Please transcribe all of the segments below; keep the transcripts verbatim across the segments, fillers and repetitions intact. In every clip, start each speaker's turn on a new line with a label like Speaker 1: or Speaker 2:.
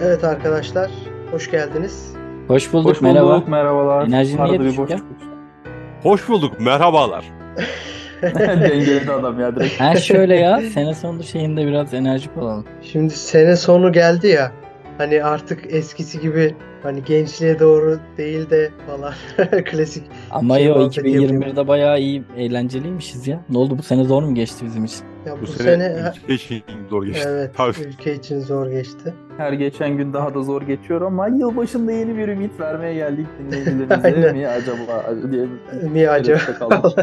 Speaker 1: Evet arkadaşlar, hoş geldiniz.
Speaker 2: Hoş bulduk,
Speaker 3: Hoş
Speaker 2: merhaba.
Speaker 3: bulduk, merhabalar.
Speaker 2: Enerjin niye
Speaker 3: Arada bir
Speaker 2: düşük ya?
Speaker 3: boşluk.
Speaker 4: Hoş bulduk, merhabalar.
Speaker 3: Dengeledi adam ya direkt.
Speaker 2: Ha şöyle ya, sene sonu şeyinde biraz enerjik olalım.
Speaker 1: Şimdi sene sonu geldi ya, hani artık eskisi gibi hani gençliğe doğru değil de falan klasik
Speaker 2: Ama
Speaker 1: şey
Speaker 2: yo
Speaker 1: muhabbeti yapayım.
Speaker 2: iki bin yirmi birde bayağı iyi, eğlenceliymişiz ya. Ne oldu bu sene zor mu geçti bizim için?
Speaker 1: Ya bu,
Speaker 4: Bu
Speaker 1: sene,
Speaker 4: sene ülke için zor geçti.
Speaker 1: evet
Speaker 4: Tabii.
Speaker 1: ülke için zor geçti.
Speaker 3: Her geçen gün daha da zor geçiyor ama yılbaşında yeni bir ümit vermeye geldik
Speaker 1: Aynen.
Speaker 3: dinleyicilerimize mi acaba diye
Speaker 1: Niye acaba?
Speaker 3: tereddütte kaldım.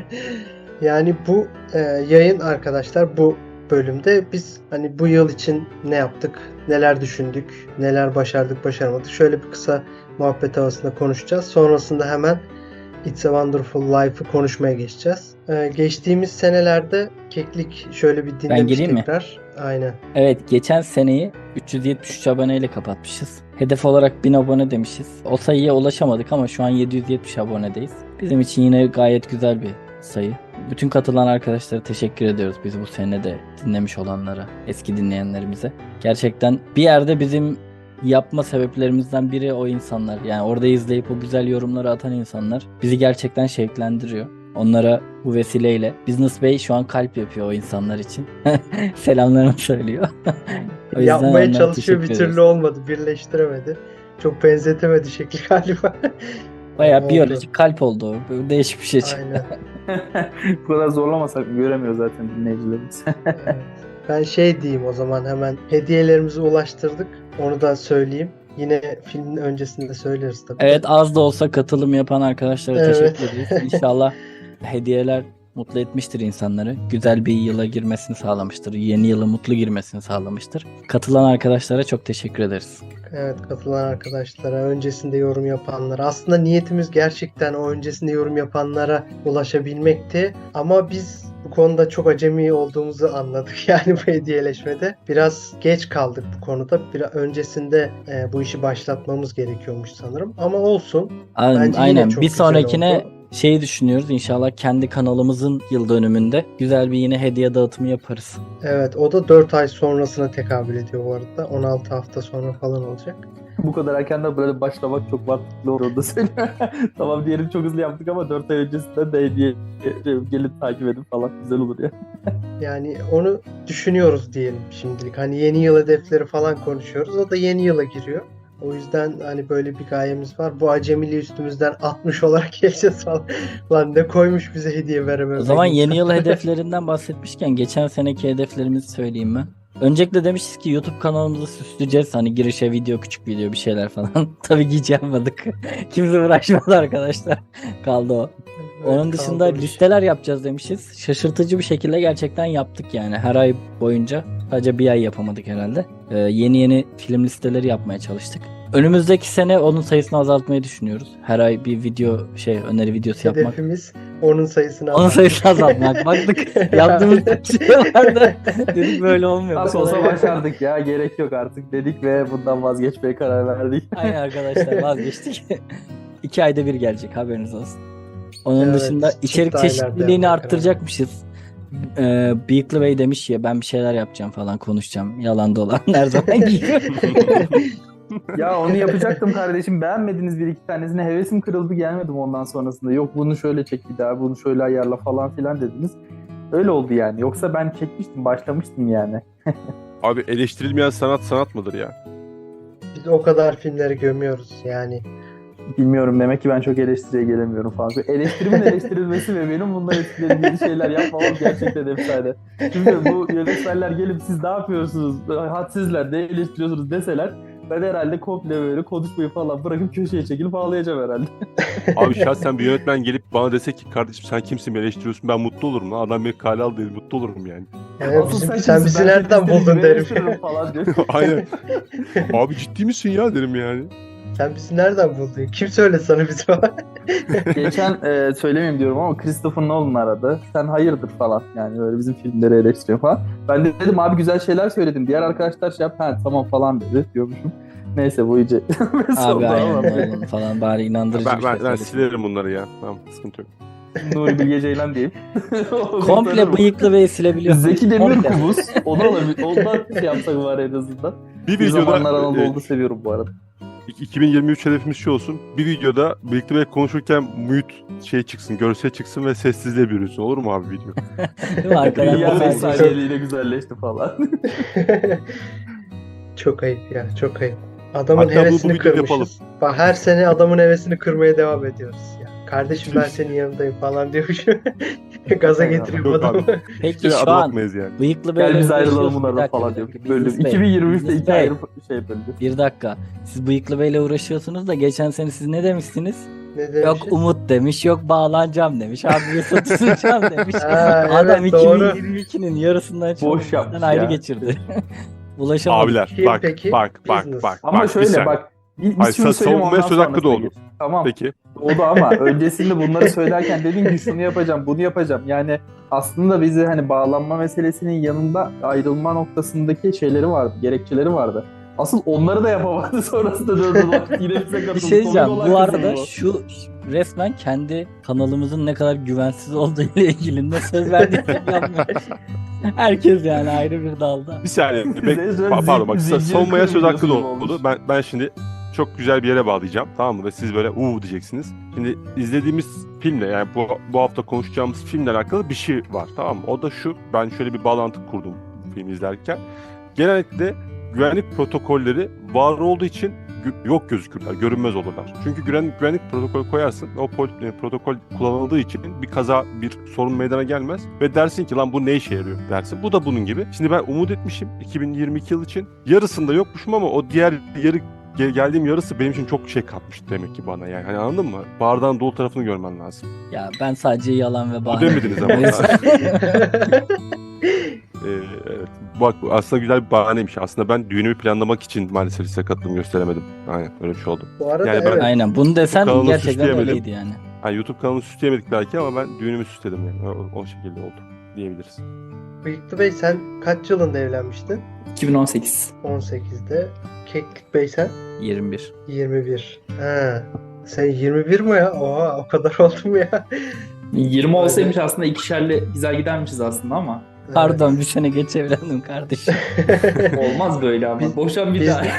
Speaker 1: Yani bu e, yayın arkadaşlar, bu bölümde biz hani bu yıl için ne yaptık, neler düşündük, neler başardık, başaramadık. Şöyle bir kısa muhabbet havasında konuşacağız. Sonrasında hemen It's a Wonderful Life'ı konuşmaya geçeceğiz. E, geçtiğimiz senelerde Keklik şöyle bir dinlemiş
Speaker 2: gireyim mi?
Speaker 1: tekrar. Aynen.
Speaker 2: Evet, geçen seneyi üç yüz yetmiş üç aboneyle kapatmışız. Hedef olarak bin abone demişiz. O sayıya ulaşamadık ama şu an yedi yüz yetmiş abonedeyiz. Bizim için yine gayet güzel bir sayı. Bütün katılan arkadaşlara teşekkür ediyoruz. Bizi bu sene de dinlemiş olanlara, eski dinleyenlerimize. Gerçekten bir yerde bizim yapma sebeplerimizden biri o insanlar. Yani orada izleyip o güzel yorumları atan insanlar bizi gerçekten şevklendiriyor. Onlara bu vesileyle Business Bey şu an kalp yapıyor o insanlar için. Selamlarını söylüyor. O yüzden
Speaker 1: Yapmaya
Speaker 2: onlara
Speaker 1: çalışıyor, bir
Speaker 2: teşekkür
Speaker 1: türlü
Speaker 2: ederiz.
Speaker 1: olmadı. Birleştiremedi. Çok benzetemedi şekli galiba.
Speaker 2: Bayağı
Speaker 1: Oldu.
Speaker 2: biyolojik kalp oldu o. Böyle değişik bir şey çıktı.
Speaker 1: Aynen.
Speaker 3: Bu kadar zorlamasak göremiyor zaten dinleyicilerimiz.
Speaker 1: Evet. Ben şey diyeyim o zaman, hemen hediyelerimizi ulaştırdık. Onu da söyleyeyim. Yine filmin öncesinde söyleriz tabii.
Speaker 2: Evet, az da olsa katılım yapan arkadaşlara
Speaker 1: Evet.
Speaker 2: teşekkür ederiz. İnşallah hediyeler mutlu etmiştir insanları. Güzel bir yıla girmesini sağlamıştır. Yeni yıla mutlu girmesini sağlamıştır. Katılan arkadaşlara çok teşekkür ederiz.
Speaker 1: Evet, katılan arkadaşlara, öncesinde yorum yapanlara. Aslında niyetimiz gerçekten o öncesinde yorum yapanlara ulaşabilmekti. Ama biz bu konuda çok acemi olduğumuzu anladık yani bu hediyeleşmede. Biraz geç kaldık bu konuda. Biraz öncesinde e, bu işi başlatmamız gerekiyormuş sanırım. Ama olsun.
Speaker 2: Aynen,
Speaker 1: Bence yine
Speaker 2: aynen.
Speaker 1: çok
Speaker 2: Bir
Speaker 1: güzel
Speaker 2: sonrakine
Speaker 1: oldu.
Speaker 2: şeyi düşünüyoruz. İnşallah kendi kanalımızın yıl dönümünde güzel bir yine hediye dağıtımı yaparız.
Speaker 1: Evet, o da dört ay sonrasına tekabül ediyor bu arada. on altı hafta sonra falan olacak.
Speaker 3: Bu kadar erken de böyle başlamak çok mantıklı olduğunu söylüyor. Tamam diyelim çok hızlı yaptık ama dört ay öncesinden de hediye gelip takip edin falan güzel olur ya.
Speaker 1: Yani onu düşünüyoruz diyelim şimdilik. Hani yeni yıl hedefleri falan konuşuyoruz. O da yeni yıla giriyor. O yüzden hani böyle bir gayemiz var. Bu acemiliği üstümüzden atmış olarak geleceğiz falan. Lan ne koymuş bize hediye veremem.
Speaker 2: O zaman yeni yıl hedeflerinden bahsetmişken geçen seneki hedeflerimizi söyleyeyim ben. Öncelikle demişiz ki YouTube kanalımızı süsleyeceğiz. Hani girişe video, küçük video, bir şeyler falan. Tabii ki hiç yapmadık. Kimse uğraşmadı arkadaşlar. Kaldı o. Onun dışında listeler yapacağız demişiz. Şaşırtıcı bir şekilde gerçekten yaptık yani. Her ay boyunca, sadece bir ay yapamadık herhalde. Ee, yeni yeni film listeleri yapmaya çalıştık. Önümüzdeki sene onun sayısını azaltmayı düşünüyoruz. Her ay bir video şey öneri videosu yapmak.
Speaker 1: Hedefimiz onun sayısını
Speaker 2: Onun
Speaker 1: azaltmak.
Speaker 2: sayısını azaltmak. Baktık yaptığımız şeylerde dedik böyle olmuyor.
Speaker 3: Nasıl olsa başardık ya gerek yok artık dedik ve bundan vazgeçmeye karar verdik.
Speaker 2: Aynen arkadaşlar, vazgeçtik. İki ayda bir gelecek, haberiniz olsun. Onun
Speaker 1: Evet,
Speaker 2: dışında
Speaker 1: çift
Speaker 2: içerik
Speaker 1: aylarda
Speaker 2: çeşitliliğini
Speaker 1: yapmak
Speaker 2: arttıracakmışız. Ee, Bıyıklı Bey demiş ya, ben bir şeyler yapacağım falan, konuşacağım. Yalan dolan her zaman gibi.
Speaker 3: Ya onu yapacaktım kardeşim. Beğenmediniz bir iki tanesine. Hevesim kırıldı gelmedim ondan sonrasında. Yok bunu şöyle çek bir daha, bunu şöyle ayarla falan filan dediniz. Öyle oldu yani. Yoksa ben çekmiştim, başlamıştım yani.
Speaker 4: Abi eleştirilmeyen sanat sanat mıdır ya?
Speaker 1: Biz o kadar filmleri gömüyoruz yani.
Speaker 3: Bilmiyorum, demek ki ben çok eleştiriye gelemiyorum falan. Eleştirimin eleştirilmesi ve benim bundan etkilediğim şeyler yapmamam gerçekten efsane. Şimdi bu yönetmenler gelip siz ne yapıyorsunuz, hadsizler, ne eleştiriyorsunuz deseler ben herhalde komple böyle konuşmayı falan bırakıp köşeye çekilip ağlayacağım herhalde.
Speaker 4: Abi şahsen bir yönetmen gelip bana dese ki kardeşim sen kimsin, beni eleştiriyorsun, ben mutlu olurum lan. Adam beni kale aldı dedi, mutlu olurum yani.
Speaker 1: Yani
Speaker 3: Asıl
Speaker 1: bizim, sen,
Speaker 3: kimsin,
Speaker 1: bizi
Speaker 3: ben
Speaker 1: nereden
Speaker 3: istediğim
Speaker 1: buldun
Speaker 3: gibi
Speaker 1: derim.
Speaker 3: eleştiririm falan diyor.
Speaker 4: Aynen. Abi ciddi misin ya derim yani.
Speaker 1: Sen bizi nereden buldun? Kim söyledi sana bizi falan?
Speaker 3: Geçen e, söylemeyeyim diyorum ama Christopher Nolan aradı. Sen hayırdır falan. Yani böyle bizim filmleri eleştiriyor falan. Ben de dedim abi güzel şeyler söyledim. Diğer arkadaşlar şey yap. Ha tamam falan dedi diyormuşum. Neyse bu iyice.
Speaker 2: Abi aynen Nolan falan, bari inandırıcı
Speaker 4: Ben,
Speaker 2: bir
Speaker 4: ben,
Speaker 2: şey
Speaker 4: ben
Speaker 2: söylesin.
Speaker 4: silerim bunları ya. Tamam, sıkıntı yok.
Speaker 3: Nuri Bilge Ceylan diyeyim.
Speaker 2: Komple Bıyıklı Bey'i silebiliyorsun.
Speaker 3: Zeki
Speaker 2: Komple.
Speaker 3: Demirkubuz. Onu alabil- ondan şey yapsak var en azından.
Speaker 4: Bir
Speaker 3: Bir zamanlar
Speaker 4: videoda e,
Speaker 3: Anadolu'da seviyorum bu arada.
Speaker 4: iki bin yirmi üç hedefimiz şu olsun. Bir videoda birlikte böyle konuşurken mute şey çıksın, görsel çıksın ve sessizliğe bürünsün. Olur mu abi video?
Speaker 2: Değil mi? Arkadan
Speaker 3: Dünya
Speaker 2: bir
Speaker 3: beş
Speaker 2: ses-
Speaker 3: saniyeliğine güzelleşti falan.
Speaker 1: Çok ayıp ya, çok ayıp. Adamın
Speaker 4: Hatta bu- bu
Speaker 1: hevesini
Speaker 4: videoyu
Speaker 1: kırmışız. Bak her sene adamın hevesini kırmaya devam ediyoruz ya. Kardeşim ben senin yanındayım falan diyormuş. Gaza getiriyor
Speaker 4: Yok
Speaker 1: adamı.
Speaker 4: abi.
Speaker 2: Peki
Speaker 4: Şöyle
Speaker 2: şu
Speaker 4: adım
Speaker 2: an
Speaker 4: atmayız yani.
Speaker 2: bıyıklı böyle
Speaker 3: Gel biz ayrılalım
Speaker 2: uğraşıyorsunuz. Bir
Speaker 3: bunlardan
Speaker 2: dakika,
Speaker 3: falan
Speaker 2: bir
Speaker 3: diyor.
Speaker 2: dakika.
Speaker 3: Böldüm.
Speaker 2: Business Bey,
Speaker 3: iki bin yirmi üçte
Speaker 2: Business
Speaker 3: iki
Speaker 2: Bey.
Speaker 3: ayrı şey böldü.
Speaker 2: Bir dakika. Siz bıyıklı beyle uğraşıyorsunuz da geçen sene siz ne demiştiniz?
Speaker 1: Ne
Speaker 2: Yok
Speaker 1: demişiz?
Speaker 2: Umut demiş, yok bağlanacağım demiş, abi satışacağım demiş.
Speaker 1: Ha,
Speaker 2: Adam
Speaker 1: evet, doğru.
Speaker 2: iki bin yirmi ikinin yarısından çok
Speaker 3: Boş yapmış
Speaker 2: ayrı
Speaker 3: ya.
Speaker 2: geçirdi. Ulaşamadık.
Speaker 4: Abiler
Speaker 1: Kim
Speaker 4: bak
Speaker 1: peki?
Speaker 4: bak bak
Speaker 1: Business.
Speaker 4: bak.
Speaker 3: Ama
Speaker 4: bak, bir
Speaker 3: şöyle
Speaker 4: saniye.
Speaker 3: bak. Biz,
Speaker 4: Hayır,
Speaker 3: biz şunu
Speaker 4: sa-
Speaker 3: söyleyeyim
Speaker 4: savunmaya
Speaker 3: ondan
Speaker 4: söz hakkı da
Speaker 3: sonrasına
Speaker 4: olur.
Speaker 3: geç. Tamam.
Speaker 4: Peki.
Speaker 3: Oldu ama öncesinde bunları söylerken dedin ki şunu yapacağım, bunu yapacağım. Yani aslında bizi hani bağlanma meselesinin yanında ayrılma noktasındaki şeyleri vardı, gerekçeleri vardı. Asıl onları da yapamadı sonrasında döndü bak yine bize katıldı.
Speaker 2: Bir şey diyeceğim.
Speaker 3: Komik olan
Speaker 2: Bu
Speaker 3: kısmı
Speaker 2: arada
Speaker 3: bu.
Speaker 2: şu resmen kendi kanalımızın ne kadar güvensiz olduğu ile ilgili ne söz verdiğini yapmıyor. Herkes yani ayrı bir dalda.
Speaker 4: Bir saniye. Bek-
Speaker 3: Bize şöyle
Speaker 4: pa- pardon bak
Speaker 3: zincir
Speaker 4: savunmaya söz hakkı da
Speaker 3: kırmızı
Speaker 4: oldu.
Speaker 3: olmuş.
Speaker 4: Ben ben şimdi çok güzel bir yere bağlayacağım. Tamam mı? Ve siz böyle uuu diyeceksiniz. Şimdi izlediğimiz filmle yani bu, bu hafta konuşacağımız filmle alakalı bir şey var. Tamam mı? O da şu. Ben şöyle bir bağlantı kurdum filmi izlerken. Genellikle güvenlik protokolleri var olduğu için gö- yok gözükürler, görünmez olurlar. Çünkü güvenlik, güvenlik protokolü koyarsın, o pol- e, protokol kullanıldığı için bir kaza, bir sorun meydana gelmez ve dersin ki lan bu ne işe yarıyor dersin. Bu da bunun gibi. Şimdi ben umut etmişim iki bin yirmi iki yıl için. Yarısında yokmuşum ama o diğer yarı gel- geldiğim yarısı benim için çok şey katmış demek ki bana yani. Hani anladın mı? Bardağın dolu tarafını görmen lazım.
Speaker 2: Ya ben sadece yalan ve
Speaker 4: Bu
Speaker 2: bahane.
Speaker 4: demediniz ama.
Speaker 2: O yüzden-
Speaker 4: Ee, evet. Bak bu aslında güzel bir bahaneymiş. Aslında ben düğünümü planlamak için maalesef size katılım gösteremedim. Aynen öyle bir şey oldu.
Speaker 1: Bu arada
Speaker 4: Yani ben-
Speaker 1: evet.
Speaker 2: Aynen bunu desen
Speaker 4: Kanalını
Speaker 2: gerçekten
Speaker 4: süsleyemedim.
Speaker 2: öyleydi yani.
Speaker 4: Yani YouTube kanalını süsleyemedik belki ama ben düğünümü süsledim yani. O, o şekilde oldu diyebiliriz.
Speaker 1: Bıyıklı Bey sen kaç yılında evlenmiştin?
Speaker 5: iki bin on sekiz.
Speaker 1: on sekizde. Keklik Bey sen?
Speaker 2: yirmi bir.
Speaker 1: yirmi bir. Ha. Sen yirmi bir mi ya? Oha o kadar oldu mu ya?
Speaker 5: yirmi olsaymış aslında ikişerli güzel gidermişiz aslında ama
Speaker 2: Pardon bir sene geç evlendim kardeşim.
Speaker 5: olmaz böyle ama.
Speaker 1: Biz-
Speaker 5: Boşan bir
Speaker 1: biz-
Speaker 5: daha.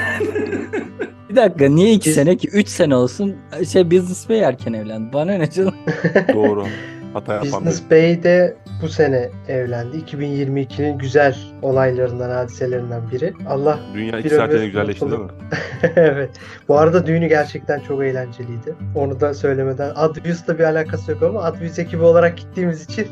Speaker 2: Bir dakika niye iki
Speaker 1: Biz-
Speaker 2: sene ki üç sene olsun şey Business Bey erken evlendi. Bana ne canım?
Speaker 4: Doğru. Hata yapan
Speaker 1: Business
Speaker 4: benim.
Speaker 1: Bey de bu sene evlendi. iki bin yirmi ikinin güzel olaylarından, hadiselerinden biri. Allah
Speaker 4: Dünya
Speaker 1: bir
Speaker 4: iki saatliğine
Speaker 1: ömür
Speaker 4: güzelleşti değil mi?
Speaker 1: evet. Bu arada düğünü gerçekten çok eğlenceliydi. Onu da söylemeden. Advius'la bir alakası yok ama Advius ekibi olarak gittiğimiz için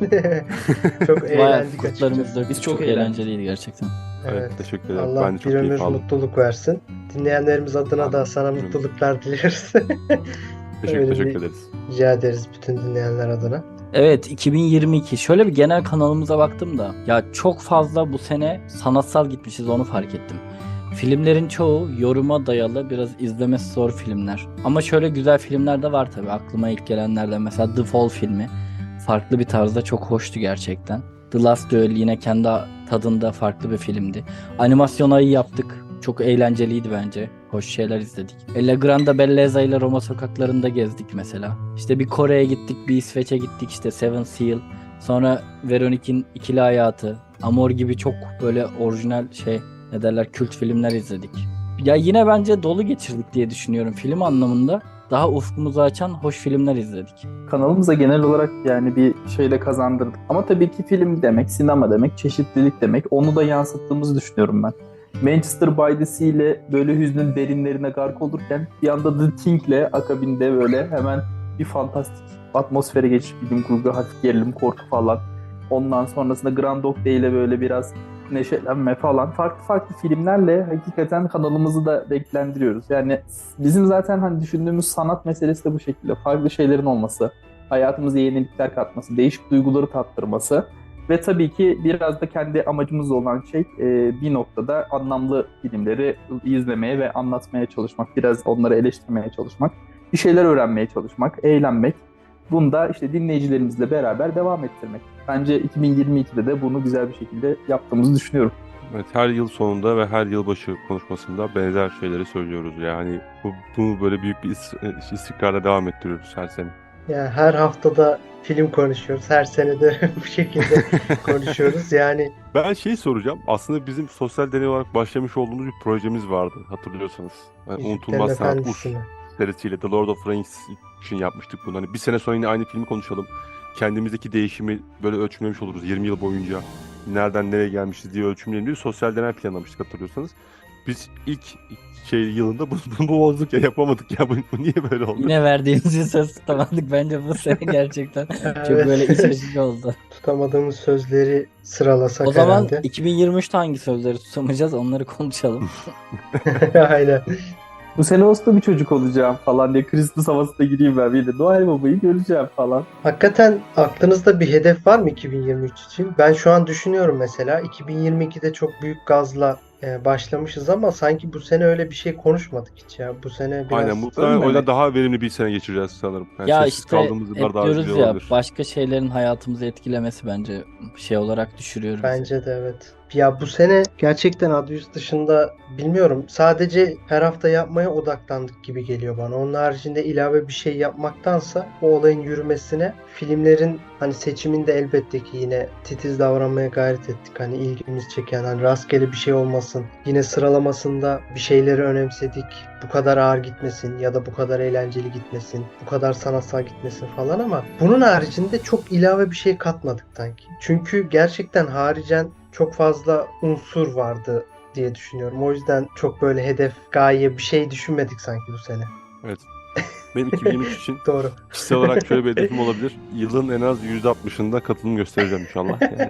Speaker 1: çok
Speaker 2: Bayağı
Speaker 1: eğlendik
Speaker 2: kurtlarımız
Speaker 1: açıkçası.
Speaker 2: döktük.
Speaker 5: Biz çok
Speaker 2: Çok
Speaker 5: eğlendik.
Speaker 2: eğlenceliydi gerçekten.
Speaker 4: Evet.
Speaker 1: Evet.
Speaker 4: Teşekkür ederim.
Speaker 1: Allah
Speaker 4: ben de çok
Speaker 1: bir ömür
Speaker 4: keyif aldım.
Speaker 1: mutluluk versin. Dinleyenlerimiz adına da
Speaker 4: Amin.
Speaker 1: sana
Speaker 4: Amin.
Speaker 1: mutluluklar dileriz.
Speaker 4: Teşekkür,
Speaker 1: Öyle
Speaker 4: teşekkür
Speaker 1: bir-
Speaker 4: ederiz.
Speaker 1: Rica ederiz bütün dinleyenler adına.
Speaker 2: Evet iki bin yirmi iki şöyle bir genel kanalımıza baktım da ya çok fazla bu sene sanatsal gitmişiz onu fark ettim. Filmlerin çoğu yoruma dayalı biraz izlemesi zor filmler. Ama şöyle güzel filmler de var tabii aklıma ilk gelenlerden mesela The Fall filmi. Farklı bir tarzda çok hoştu gerçekten. The Last Duel yine kendi tadında farklı bir filmdi. Animasyon ayı yaptık. Çok eğlenceliydi bence. Hoş şeyler izledik. E, La Grande Bellezza ile Roma sokaklarında gezdik mesela. İşte bir Kore'ye gittik, bir İsveç'e gittik işte Seven Seal. Sonra Veronique'in ikili hayatı. Amor gibi çok böyle orijinal şey ne derler kült filmler izledik. Ya yine bence dolu geçirdik diye düşünüyorum film anlamında. Daha ufkumuzu açan hoş filmler izledik.
Speaker 3: Kanalımıza genel olarak yani bir şeyle kazandırdık. Ama tabii ki film demek, sinema demek, çeşitlilik demek. Onu da yansıttığımızı düşünüyorum ben. Manchester by the Sea ile böyle hüznün derinlerine gark olurken bir anda The Thing ile akabinde böyle hemen bir fantastik atmosfere geçiş, bilim kurgu, hafif gerilim, korku falan. Ondan sonrasında Grand Dog Day ile böyle biraz neşelenme falan. Farklı farklı filmlerle hakikaten kanalımızı da renklendiriyoruz. Yani bizim zaten hani düşündüğümüz sanat meselesi de bu şekilde. Farklı şeylerin olması, hayatımıza yenilikler katması, değişik duyguları tattırması. Ve tabii ki biraz da kendi amacımız olan şey e, bir noktada anlamlı filmleri izlemeye ve anlatmaya çalışmak, biraz onları eleştirmeye çalışmak, bir şeyler öğrenmeye çalışmak, eğlenmek. Bunu da işte dinleyicilerimizle beraber devam ettirmek. Bence iki bin yirmi ikide de bunu güzel bir şekilde yaptığımızı düşünüyorum.
Speaker 4: Evet, her yıl sonunda ve her yılbaşı konuşmasında benzer şeyleri söylüyoruz. Yani bu, bunu böyle büyük bir is- istikrarla devam ettiriyoruz her sene.
Speaker 1: Yani her haftada film konuşuyoruz. Her sene de bu şekilde konuşuyoruz. Yani
Speaker 4: Ben şeyi soracağım. Aslında bizim sosyal deney olarak başlamış olduğumuz bir projemiz vardı hatırlıyorsanız. Yani
Speaker 1: Yüzüklerin
Speaker 4: Unutulmaz Sanat
Speaker 1: Efendisi
Speaker 4: Us
Speaker 1: mi?
Speaker 4: serisiyle The Lord of the Rings için yapmıştık bunu. Hani bir sene sonra yine aynı filmi konuşalım. Kendimizdeki değişimi böyle ölçümlemiş oluruz yirmi yıl boyunca. Nereden nereye gelmişiz diye ölçümleyelim diye sosyal deney planlamıştık hatırlıyorsanız. Biz ilk şey yılında bu, bu bozduk ya yapamadık ya bu, bu niye böyle oldu?
Speaker 2: Yine verdiğimiz bir söz tutamadık. Bence bu sene gerçekten çok
Speaker 1: Evet.
Speaker 2: böyle iç açıcı oldu.
Speaker 1: Tutamadığımız sözleri sıralasak
Speaker 2: O zaman
Speaker 1: herhalde.
Speaker 2: iki bin yirmi üçte hangi sözleri tutamayacağız onları konuşalım.
Speaker 1: Aynen.
Speaker 3: Bu sene olsa bir çocuk olacağım falan diye Christmas havasına gireyim ben bir de. Noel Baba'yı göreceğim falan.
Speaker 1: Hakikaten aklınızda bir hedef var mı iki bin yirmi üç için? Ben şu an düşünüyorum mesela iki bin yirmi ikide çok büyük gazla e, başlamışız ama sanki bu sene öyle bir şey konuşmadık hiç ya. Bu sene biraz
Speaker 4: Aynen muhtemelen
Speaker 3: ölmemek.
Speaker 4: öyle daha verimli bir sene geçireceğiz sanırım. Yani
Speaker 2: Ya
Speaker 4: sessiz
Speaker 2: işte
Speaker 4: kaldığımız yıllar
Speaker 2: hep
Speaker 4: daha
Speaker 2: diyoruz
Speaker 4: güzel
Speaker 2: ya
Speaker 4: olabilir.
Speaker 2: başka şeylerin hayatımızı etkilemesi bence şey olarak düşürüyor bizi.
Speaker 1: bence de evet. Ya bu sene gerçekten adı yüz dışında bilmiyorum. Sadece her hafta yapmaya odaklandık gibi geliyor bana. Onun haricinde ilave bir şey yapmaktansa o olayın yürümesine filmlerin hani seçiminde elbette ki yine titiz davranmaya gayret ettik. Hani ilgimizi çeken hani rastgele bir şey olmasın. Yine sıralamasında bir şeyleri önemsedik. Bu kadar ağır gitmesin ya da bu kadar eğlenceli gitmesin. Bu kadar sanatsal gitmesin falan ama bunun haricinde çok ilave bir şey katmadık sanki. Çünkü gerçekten haricen çok fazla unsur vardı diye düşünüyorum. O yüzden çok böyle hedef, gaye bir şey düşünmedik sanki bu sene.
Speaker 4: Evet. Benim iki bin yirmi üç için
Speaker 1: Doğru.
Speaker 4: kişisel olarak şöyle bir hedefim olabilir. Yılın en az yüzde altmışında katılım göstereceğim inşallah. Yani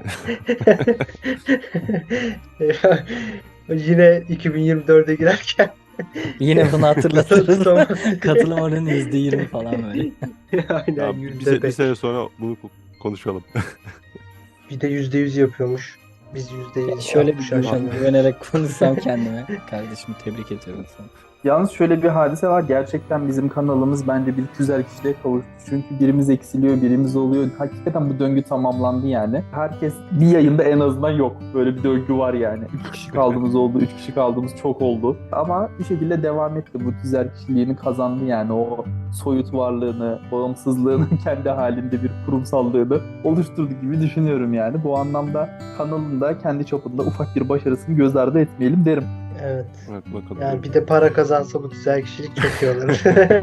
Speaker 1: Yine iki bin yirmi dörde girerken
Speaker 2: Yine bunu hatırlatırız.
Speaker 1: Tutamaz.
Speaker 2: Katılım oranı yüzde yirmi falan böyle.
Speaker 1: Aynen
Speaker 4: ya bir,
Speaker 1: yüzde
Speaker 4: se- bir
Speaker 1: beş.
Speaker 4: sene sonra bunu ko- konuşalım.
Speaker 1: Bir de yüzde yüz yapıyormuş. Biz yüzde
Speaker 2: Ya
Speaker 1: yüz
Speaker 2: şöyle bir
Speaker 1: altmış
Speaker 2: güven,
Speaker 1: aşağıya.
Speaker 2: güvenerek konuşsam kendime. Kardeşim tebrik ediyorum seni.
Speaker 3: Yalnız şöyle bir hadise var. Gerçekten bizim kanalımız bence bir güzel kişiliğe kavuştu. Çünkü birimiz eksiliyor, birimiz oluyor. Hakikaten bu döngü tamamlandı yani. Herkes bir yayında en azından yok. Böyle bir döngü var yani. Üç kişi kaldığımız oldu, üç kişi kaldığımız çok oldu. Ama bir şekilde devam etti. Bu güzel kişiliğini kazandı yani. O soyut varlığını, bağımsızlığını kendi halinde bir kurumsallığını oluşturdu gibi düşünüyorum yani. Bu anlamda kanalın da kendi çapında ufak bir başarısını göz ardı etmeyelim derim.
Speaker 1: Evet.
Speaker 4: Evet bakalım.
Speaker 1: Yani bir de para kazansa bu güzel kişilik çok iyi olur.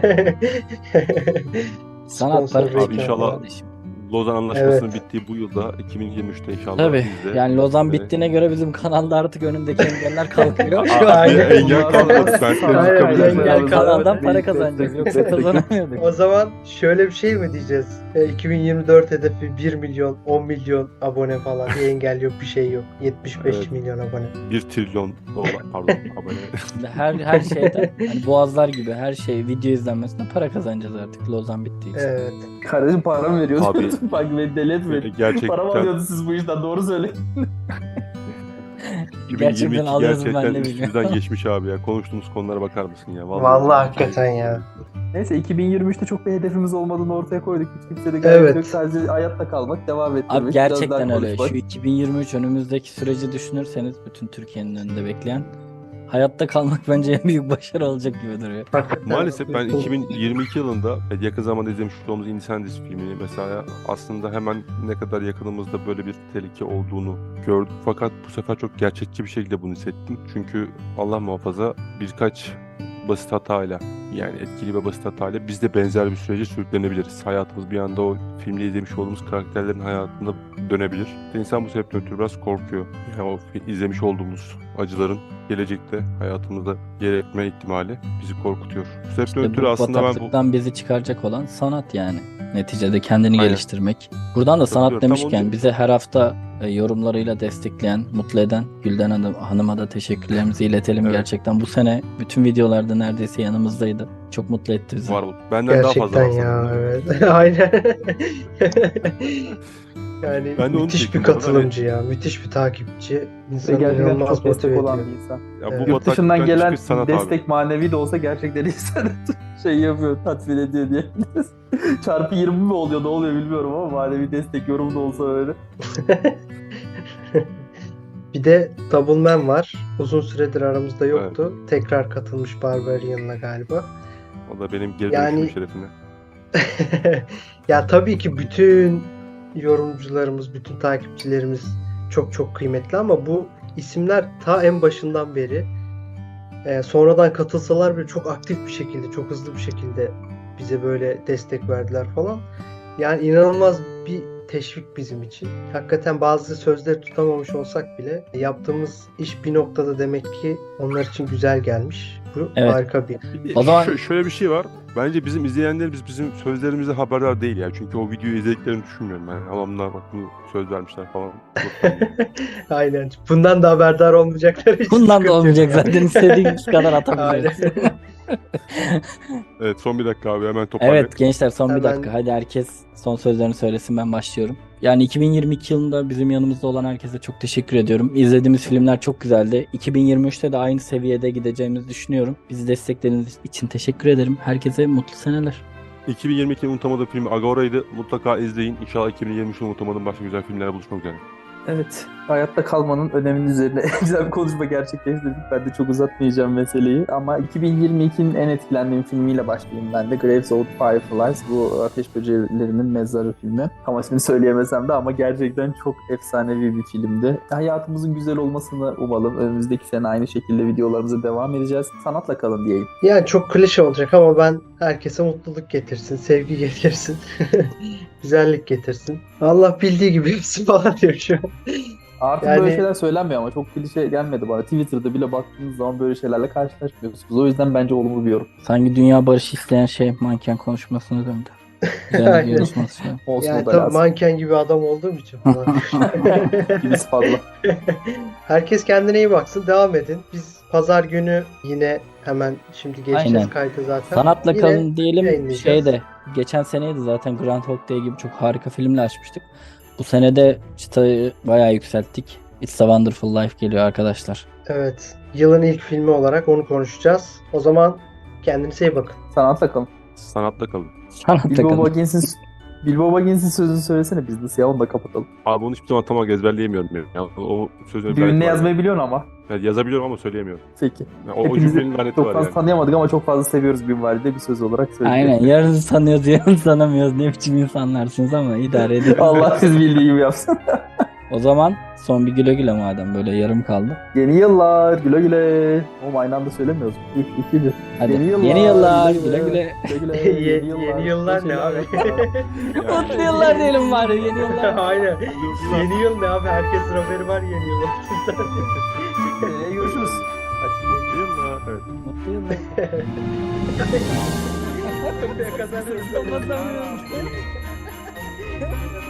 Speaker 2: Sanat
Speaker 1: Sponsor
Speaker 2: para
Speaker 4: Abi inşallah
Speaker 2: kardeşim.
Speaker 4: Lozan Anlaşması'nın
Speaker 1: Evet.
Speaker 4: bittiği bu yılda iki bin yirmi üçte inşallah
Speaker 2: Tabii.
Speaker 4: biz de
Speaker 2: Yani Lozan
Speaker 4: e,
Speaker 2: bittiğine göre bizim kanalda artık önündeki engeller kalkıyor.
Speaker 4: Aa,
Speaker 1: Aynen.
Speaker 4: bir engel kalmadı. Ben seni
Speaker 1: Aynen,
Speaker 4: kabul
Speaker 1: engel
Speaker 4: ederim.
Speaker 2: Engel kanaldan
Speaker 3: Evet,
Speaker 2: para
Speaker 3: destek,
Speaker 2: kazanacağız. Yoksa
Speaker 3: destek.
Speaker 2: kazanamıyorduk.
Speaker 1: O zaman şöyle bir şey mi diyeceğiz? E, iki bin yirmi dört hedefi bir milyon, on milyon abone falan. Bir engel yok, bir şey yok. yetmiş beş
Speaker 4: Evet.
Speaker 1: milyon abone.
Speaker 4: bir trilyon dolar pardon abone.
Speaker 2: Her her şeyden hani boğazlar gibi her şey video izlenmesine para kazanacağız artık Lozan bittiği için.
Speaker 1: Evet.
Speaker 3: Kardeşim para mı veriyorsun?
Speaker 4: Abi.
Speaker 3: Bak beni deli etme.
Speaker 4: Gerçekten
Speaker 3: Para mı alıyordunuz siz bu işten? Doğru söyle.
Speaker 2: Gerçekten alıyoruz, ben
Speaker 4: gerçekten
Speaker 2: de bilmiyorum.
Speaker 4: üstümüzden geçmiş abi ya. Konuştuğumuz konulara bakar mısın ya?
Speaker 1: Vallahi hakikaten ya.
Speaker 3: Neyse iki bin yirmi üçte çok bir hedefimiz olmadığını ortaya koyduk. Hiç kimse de gayret
Speaker 1: Evet.
Speaker 3: yok. Sadece hayatta kalmak, devam ettirmek.
Speaker 2: Abi
Speaker 3: biraz
Speaker 2: gerçekten
Speaker 3: daha
Speaker 2: öyle.
Speaker 3: konuşmak.
Speaker 2: Şu iki bin yirmi üç önümüzdeki süreci düşünürseniz bütün Türkiye'nin önünde bekleyen hayatta kalmak bence en büyük başarı olacak gibi duruyor.
Speaker 4: Maalesef ben iki bin yirmi iki yılında yakın zamanda izlemiş olduğumuz Incendies filmini mesela aslında hemen ne kadar yakınımızda böyle bir tehlike olduğunu gördük. Fakat bu sefer çok gerçekçi bir şekilde bunu hissettim. Çünkü Allah muhafaza birkaç basit hatayla yani etkili ve basit hatayla biz de benzer bir sürece sürüklenebiliriz. Hayatımız bir anda o filmde izlemiş olduğumuz karakterlerin hayatında dönebilir. İnsan bu sebepten ötürü biraz korkuyor. Yani o fi- izlemiş olduğumuz acıların gelecekte hayatımızda yer etme ihtimali bizi korkutuyor. Bu sebepten
Speaker 2: İşte
Speaker 4: ötürü
Speaker 2: bu
Speaker 4: aslında ben bu
Speaker 2: bataklıktan bizi çıkaracak olan sanat yani. Neticede kendini
Speaker 4: Aynen.
Speaker 2: geliştirmek. Buradan da sanat
Speaker 4: Katılıyorum. Tam onu
Speaker 2: demişken
Speaker 4: diyeyim.
Speaker 2: bize her hafta e, yorumlarıyla destekleyen, mutlu eden Gülden Hanım, Hanım'a da teşekkürlerimizi iletelim.
Speaker 4: Evet.
Speaker 2: Gerçekten bu sene bütün videolarda neredeyse yanımızdaydı. Çok mutlu etti bizi.
Speaker 4: var bu. Benden daha fazla
Speaker 1: Gerçekten
Speaker 4: var
Speaker 1: ya
Speaker 4: sanırım.
Speaker 1: evet. Aynen. Yani
Speaker 4: Ben de onu
Speaker 1: müthiş bir
Speaker 4: diyecektim bu arada.
Speaker 1: katılımcı ya. Müthiş bir takipçi.
Speaker 3: Ve
Speaker 1: İnsanı
Speaker 3: gerçekten
Speaker 1: inanılmaz
Speaker 3: çok destek
Speaker 1: motive
Speaker 3: olan
Speaker 1: ediyor.
Speaker 3: bir insan.
Speaker 4: Ya
Speaker 1: Evet.
Speaker 4: bu
Speaker 3: Yurt
Speaker 4: bataklıktan
Speaker 3: dışından gelen
Speaker 4: çıkış sanat
Speaker 3: destek
Speaker 4: abi.
Speaker 3: manevi de olsa gerçekten insanı şey yapıyor, tatmin ediyor diye. Çarpı yirmi mi oluyor, ne oluyor bilmiyorum ama manevi destek yorumu da olsa öyle.
Speaker 1: Bir de Double Man var. Uzun süredir aramızda yoktu. Tekrar katılmış Barbarian'la galiba.
Speaker 4: O da benim geri
Speaker 1: Yani-
Speaker 4: dönüşüm şerefine.
Speaker 1: Ya tabii ki bütün yorumcularımız, bütün takipçilerimiz çok çok kıymetli ama bu isimler ta en başından beri e, sonradan katılsalar bile çok aktif bir şekilde, çok hızlı bir şekilde bize böyle destek verdiler falan. Yani inanılmaz bir teşvik bizim için. Hakikaten bazı sözleri tutamamış olsak bile yaptığımız iş bir noktada demek ki onlar için güzel gelmiş. Bu
Speaker 2: Evet.
Speaker 1: harika bir.
Speaker 4: Bir de
Speaker 2: O zaman-
Speaker 4: şö- şöyle bir şey var. Bence bizim izleyenlerimiz bizim sözlerimizle haberdar değil ya. Çünkü o videoyu izlediklerini düşünmüyorum ben. Adamlar bak bu söz vermişler falan. Yok yani.
Speaker 1: Aynen. Bundan da haberdar olmayacakları hiç
Speaker 2: Bundan
Speaker 1: sıkıntı
Speaker 2: da
Speaker 1: yok
Speaker 2: olmayacak
Speaker 1: yani.
Speaker 2: zaten istediğiniz kadar atabiliriz.
Speaker 1: Aynen.
Speaker 4: Evet, son bir dakika abi, hemen toparlayalım.
Speaker 2: Evet gençler, son bir
Speaker 1: Hemen-
Speaker 2: dakika. Hadi herkes son sözlerini söylesin, ben başlıyorum. Yani iki bin yirmi iki yılında bizim yanımızda olan herkese çok teşekkür ediyorum. İzlediğimiz filmler çok güzeldi. iki bin yirmi üçte de aynı seviyede gideceğimizi düşünüyorum. Bizi desteklediğiniz için teşekkür ederim. Herkese mutlu seneler.
Speaker 4: iki bin yirmi ikinin unutamadığım film Agora'ydı. Mutlaka izleyin. İnşallah iki bin yirmi üçte unutamadığım başka güzel filmlerle buluşmak üzere.
Speaker 3: Evet, hayatta kalmanın öneminin üzerine güzel bir konuşma gerçekleştirdik. Ben de çok uzatmayacağım meseleyi. Ama iki bin yirmi ikinin en etkilendiğim filmiyle başlayayım ben de. Graves of Fireflies. Bu ateş böceklerinin mezarı filmi. Ama ismini söyleyemesem de ama gerçekten çok efsanevi bir filmdi. Hayatımızın güzel olmasını umalım. Önümüzdeki sene aynı şekilde videolarımıza devam edeceğiz. Sanatla kalın diyeyim.
Speaker 1: Yani çok klişe olacak ama ben herkese mutluluk getirsin, sevgi getirsin, güzellik getirsin. Allah bildiği gibi hepsi falan diyor şu an.
Speaker 3: Artık
Speaker 1: Yani-
Speaker 3: böyle şeyler söylenmiyor ama çok klişe gelmedi bana. Twitter'da bile baktığınız zaman böyle şeylerle karşılaşmıyorsunuz. O yüzden bence olumlu bir yorum.
Speaker 2: Sanki dünya barışı isteyen şey manken konuşmasına döndü. Güzel bir
Speaker 1: Aynen.
Speaker 2: yarışması şu an.
Speaker 3: Olsun
Speaker 1: Yani
Speaker 3: o da
Speaker 1: tabii
Speaker 3: lazım.
Speaker 1: manken gibi adam olduğum için falan.
Speaker 3: Gibisi fazla.
Speaker 1: Herkes kendine iyi baksın, devam edin. Biz pazar günü yine hemen şimdi geçeceğiz
Speaker 2: Aynen.
Speaker 1: kaydı zaten.
Speaker 2: Sanatla
Speaker 1: Yine
Speaker 2: kalın diyelim,
Speaker 1: yayınlayacağız.
Speaker 2: şeyde geçen seneydi zaten, Groundhog Day gibi çok harika filmle açmıştık. Bu senede çıtayı bayağı yükselttik. It's a Wonderful Life geliyor arkadaşlar.
Speaker 1: Evet. Yılın ilk filmi olarak onu konuşacağız. O zaman kendinize iyi bakın.
Speaker 3: Sanatla kalın.
Speaker 4: Sanatla kalın.
Speaker 2: Sanatla
Speaker 3: Bilbo
Speaker 2: kalın.
Speaker 3: Baggins'in Bilbo Baggins'in sözünü söylesene biz nasıl ya onu da kapatalım.
Speaker 4: Abi onu hiçbir zaman tam olarak ezberleyemiyorum. Yani. Yani o sözünü
Speaker 3: Düğünde yazmayı biliyorsun ama.
Speaker 4: Yani yazabiliyorum ama söyleyemiyorum.
Speaker 3: Peki.
Speaker 4: Yani o, o
Speaker 3: Hepinizi
Speaker 4: cümlenin laneti
Speaker 3: çok
Speaker 4: var
Speaker 3: fazla
Speaker 4: yani.
Speaker 3: tanıyamadık ama çok fazla seviyoruz Binvali'de bir söz olarak söylüyorum.
Speaker 2: Aynen, yarın sanıyoruz yarın sanamıyoruz, ne biçim insanlarsınız ama idare edin.
Speaker 3: Allah siz bildiği gibi yapsın.
Speaker 2: O zaman son bir güle güle madem böyle yarım kaldı.
Speaker 3: Yeni yıllar güle güle. Oğlum aynı anda söylemiyoruz. üç, iki, bir.
Speaker 2: Hadi
Speaker 3: Yeni yıllar,
Speaker 2: yeni yıllar,
Speaker 3: güle
Speaker 2: güle
Speaker 3: güle.
Speaker 2: güle.
Speaker 3: Güle güle.
Speaker 1: Ye- yeni yıllar ne abi?
Speaker 2: Mutlu yıllar diyelim bari, yeni yıllar.
Speaker 1: Aynen. Yeni yıl ne abi? Herkesin haberi var yeni yıl.
Speaker 3: Seneye görüşürüz.
Speaker 4: Yıllar. Evet.
Speaker 2: Mutlu yıllar.
Speaker 1: Ne kadar hızlı.
Speaker 2: Anlatamıyorum.